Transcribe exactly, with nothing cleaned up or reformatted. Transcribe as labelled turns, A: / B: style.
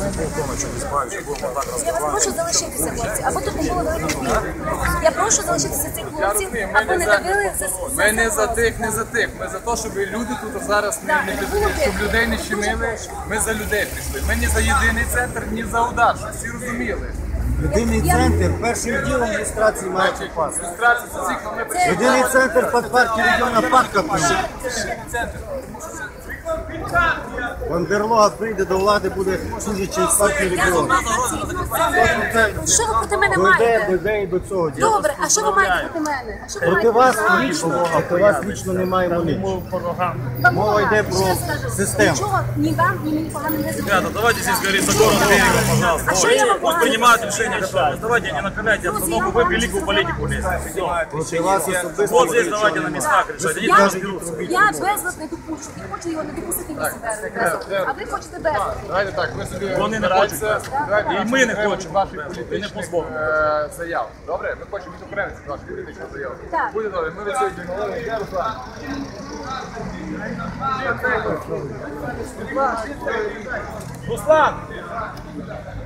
A: Я вас прошу залишитися, хлопці, або тут не було великих днів. Я прошу залишитися цих хлопців, або не давили за
B: Ми не за тих, не за тих. Ми за те, щоб люди тут зараз не, не щоб людей не щемили. Ми за людей прийшли. Ми не за єдиний центр, ні за удар, щоб всі розуміли.
C: Єдиний центр першим ділом реєстрації має попасти.
B: Реєстрація за цих, але ми прийшли.
C: Єдиний центр під партію регіона Парка прийшов. Бандерлога прийде до влади, буде служити через партію регіону.
A: Що ви проти мене
C: Дойде,
A: маєте?
C: дойде і до цього діла.
A: Добре, а що ви маєте проти мене? А що ви
C: Проти
A: маєте
C: вас
A: проти
C: лічно, проти вас лічно немає нічого. Мова йде про систему.
A: Нічого ні вам, ні мені погано не зробили.
D: Ребята, давайте здесь говорить за город берегом, пожалуйста.
A: А что я вам
D: Пусть принимают решение, что давайте не накаляйте обстановку, вы великую политику лезете.
C: Проти вас особисто.
D: Вот здесь давайте на местах решать, они
A: Я,
D: там разберутся.
A: я безлад не допущу. Я хочу його не допустити місце безлад. А ви хочете безлад.
B: Давайте так, ви собі
D: Вони не хочуть.
B: Давайте,
D: І ми не
B: треба
D: хочемо.
B: ваших
D: І не
B: політичних
D: позбавимо.
B: е, заяв. Добре? Ми хочемо від українців ваших політичних заяв.
A: Так.
B: Буде добре, ми від цього йдемо. Де Руслан? Руслан!